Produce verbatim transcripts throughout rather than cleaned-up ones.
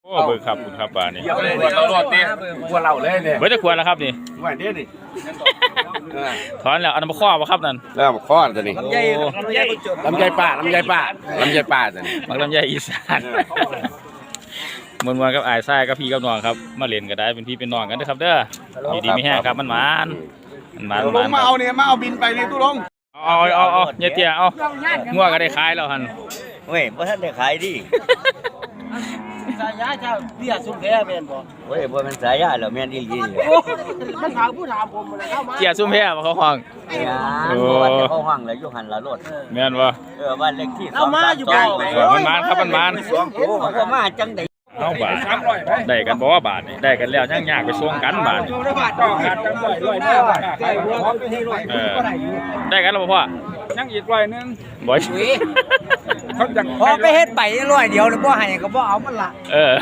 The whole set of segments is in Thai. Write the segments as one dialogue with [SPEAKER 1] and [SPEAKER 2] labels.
[SPEAKER 1] โอ้เบิกครับคุณครับป่านี่
[SPEAKER 2] เดี๋ยวเลยเดี๋ยวเราโหลดเนี่ยกลัวเราเลยเนี่ย
[SPEAKER 1] เบิกจะควรแล้วครับนี่
[SPEAKER 2] ไหวเด้นี่
[SPEAKER 1] ถอนแล้วเอาน้ำมาข้อมาครับนั่น
[SPEAKER 2] แล้วข้อตัวนี้
[SPEAKER 1] โอ้
[SPEAKER 2] ลำไยป่าลำไยป่าลำไยป่าตัวนี้
[SPEAKER 1] มักลำไยอีสานมวนๆกับอายทรายกับพี่กับน้องครับมาเล่นก็ได้เป็นพี่เป็นน้องกันนะครับเด้ออยู่ดีไม่แห้งครับมันหวานมันหวาน
[SPEAKER 2] ลงมาเอาเนี่ยมาเอาบินไปนี่ตู้ลง
[SPEAKER 1] เอาเอาเอาเยเตี้ยเอางัวก็ได้ขายแล้วหัน
[SPEAKER 3] เว้ยบ่ทันได้ขายดิ
[SPEAKER 4] สายยาเจ้าเบี้ยสุนแพ้แม่นบ่
[SPEAKER 3] เว้ยบ่แม่นสายยาแล้วแม่นอีหลีเลย
[SPEAKER 4] มันถามผู้ถามผมเลยเข้ามา
[SPEAKER 1] เกียร์ซุ่มแพ้มาเขาห้อง
[SPEAKER 3] ยาบ่ว่าแต่เขาห้องแล้วอยู่หันละรถ
[SPEAKER 1] แม่นบ่
[SPEAKER 3] เออบ้านเลขที่
[SPEAKER 4] เอามาอยู่บ่
[SPEAKER 1] มันมันครับมันมัน
[SPEAKER 3] มันก็มาจังได๋
[SPEAKER 1] เอาบาทได้กันบ่ว่าบาทนี่ได้กันแล้วยังยากไปส่งกันบาทนี่เออได้กันแล้วบ่พ่อ
[SPEAKER 2] ยังอีกร้อยนึง
[SPEAKER 1] บ่อย
[SPEAKER 2] เขาจัง
[SPEAKER 4] พอไปเฮ็ดไปร้อยเดียวแล้วบ่ให้ก็บ่เอามันละ
[SPEAKER 1] เออ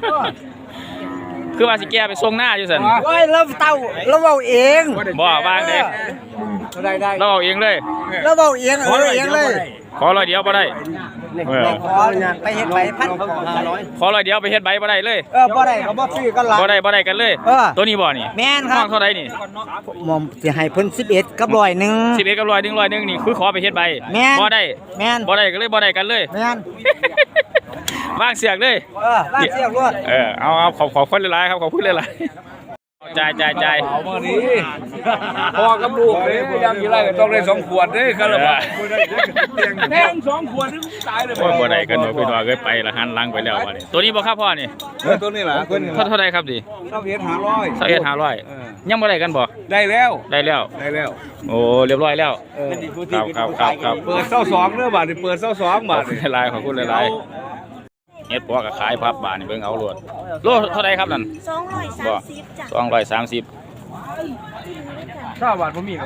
[SPEAKER 1] คือว่าสิแก้ไปส่งหน้าอยู่ซั่น
[SPEAKER 4] โอ้ยเราเต้าเราเว้าเอง
[SPEAKER 1] บ่วางเด้
[SPEAKER 4] ได้ได้
[SPEAKER 1] เราเอาเองเลย
[SPEAKER 4] เราเว้าเองเออเองเลย
[SPEAKER 1] ขอร้อยเดียวบ่ได้เออ
[SPEAKER 4] ขอไปเฮ็ดไปพันห้าร้อย
[SPEAKER 1] ขอร้อยเดียวไปเฮ็ดใบบ่ได้เลย
[SPEAKER 4] เออบ่ได้ก็บ่ซื้อกันละ
[SPEAKER 1] บ่ได้บ่ได้กันเลย
[SPEAKER 4] เออ
[SPEAKER 1] ตัวนี้บ่นี่
[SPEAKER 4] แม่นค
[SPEAKER 1] ห้
[SPEAKER 4] รั
[SPEAKER 1] อบ งเท่าใดนี่
[SPEAKER 4] หม่อมสิให้เพิ่นสิบเอ็ดกับร้อยหนึง
[SPEAKER 1] สิบเอ็ดกับร้อยหนึ่งร้อยหนึ่งนี่คือขอไปเฮ็ดใบ
[SPEAKER 4] แม่น
[SPEAKER 1] บ่ได้
[SPEAKER 4] แม่น
[SPEAKER 1] บ่ได้ก็เลยบ่ได้กันเลย
[SPEAKER 4] แม่น
[SPEAKER 1] วางเสียกเลย
[SPEAKER 4] เออลากเสียกรวด
[SPEAKER 1] เออเอาเอาขอบขอบคุณหลายๆครับขอบคุณหลายๆจ่ายจ่ายจ่าย
[SPEAKER 2] เอามาดิพ่อกับลูกเลยยังกี่ไรก็ต้องได้สองขวดเด้กันละบ่แทงสองขวดนึงตายเลย
[SPEAKER 1] โอ้ยบ่ได้กันเนาะพี่น้องเอ้ยไปละหันหลังไปแล้วบัดนี้ตัวนี้บ่ครับพ่อนี่
[SPEAKER 2] ตัวนี้ล่ะคน
[SPEAKER 1] เท่าเท่าใดครับดิ
[SPEAKER 2] เท่าเฮ็ดห้าร้อย
[SPEAKER 1] เท่าเอ็ดห้าร้อยยังบ่ได้กันบ่
[SPEAKER 2] ได้แล้ว
[SPEAKER 1] ได้แล้ว
[SPEAKER 2] ได้แล้ว
[SPEAKER 1] โอ้เรียบร้อยแล้วครับครับครับครับ
[SPEAKER 2] เปิดเศร้าสองเด้อบาทนี่เปิดเศร้าสอง
[SPEAKER 1] ขอ
[SPEAKER 2] บา
[SPEAKER 1] บ
[SPEAKER 2] ท
[SPEAKER 1] คุณหลายๆขอบคุณหลายๆเฮ็ดปัวก็ขายพับบาทนี่เบิ่งเอาโลดโลเท่าใดครับนั่น
[SPEAKER 5] สองร้อยสามสิบจ้ะ
[SPEAKER 1] สองร้อยสามสิบ
[SPEAKER 2] เก้าบาทผมมีเลย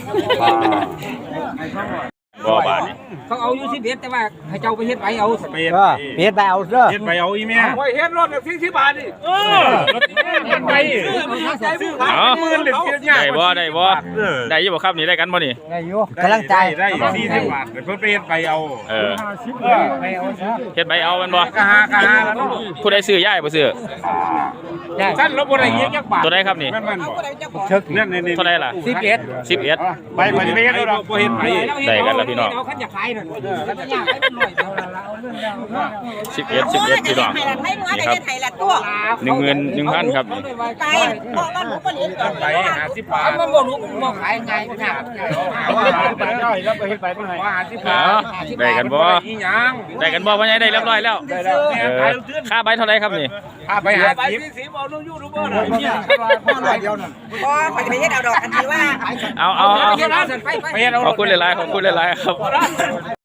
[SPEAKER 1] บ่บาทนี่
[SPEAKER 4] เขาเอาอยู่สิบเอ็ดแต่ว่าให้เจ้าไปเฮ็ดไปเอา
[SPEAKER 2] เปลี่ยน
[SPEAKER 4] เออเฮ็ดไปเอาเด้อ
[SPEAKER 2] เฮ็ดไปเอาอีแม่โอ้ยเฮ็ดรถสี่สิบบาทนี่เออเฮ็ดไปซื้อมันใจผู้
[SPEAKER 1] เอ้า
[SPEAKER 2] หมื่นเลยเฮ็ดยาก
[SPEAKER 1] ได้บ่ได้บ่ได้อยู่บ่ครับนี่ได้กันบ่นี่
[SPEAKER 4] ได้อยู่กำลังใจ
[SPEAKER 2] ได้สี่สิบบาทเพิ่นไปเฮ็ดไปเอา
[SPEAKER 1] เออ
[SPEAKER 4] ไปเอาซะ
[SPEAKER 1] เฮ็ดใบเอาแมันบ่
[SPEAKER 2] กะหากะหาแล้ว
[SPEAKER 1] ผู้ใดซื้อยายบ่ซื้อ
[SPEAKER 2] สั้นแล้วบ่ได้เงี้ยจักบาท
[SPEAKER 1] ตัวใดครับนี่
[SPEAKER 2] แม่นๆบ่
[SPEAKER 4] เชิก
[SPEAKER 2] นั่นนี่
[SPEAKER 1] เท่าใดล่ะ
[SPEAKER 4] สิบเอ็ด
[SPEAKER 1] สิบเอ็ด
[SPEAKER 2] ไปไปไปเฮ็ดแล้วบ่เฮ็ดไป
[SPEAKER 1] ได้กันแล้วพี่น้อง
[SPEAKER 4] เอาคันอยากขายนั่นคันอยากขายเป็นร้อยเดียวละเอาเรื่องเดียว
[SPEAKER 1] สิบเอ็ดสิบเอ็ดพี่น้อง
[SPEAKER 5] ไทยรัฐไม่มัว
[SPEAKER 1] นี่
[SPEAKER 5] แต่
[SPEAKER 1] ครับ
[SPEAKER 5] ไทยรัฐตัว
[SPEAKER 1] หนึ่งหมื่นหนึ่งพันครับนี่
[SPEAKER 5] ไปบอกว่าหนูคนนี้ก่อน
[SPEAKER 2] ไปห้าสิบบาท
[SPEAKER 4] มันบ่รู้บ่ขายไงมันน่ะ
[SPEAKER 2] แล้วไปเฮ็ดไปเพิ่นให้ห้าสิบบาท
[SPEAKER 1] ได้กันบ่
[SPEAKER 2] อีหยัง
[SPEAKER 1] ได้กันบ่พ่อใหญ่ได้เรียบร้อยแล้วเออค่าใบเท่าไหร่ครับนี่
[SPEAKER 2] พาไปห้าสิบ
[SPEAKER 5] พอไปไปเฮ็ดเอาดอกทันทีว่า
[SPEAKER 1] เอาเอาเอา
[SPEAKER 4] ไปเฮ็ดเอาไปไป
[SPEAKER 1] ขอบคุณหลายๆขอบคุณหลายๆครับ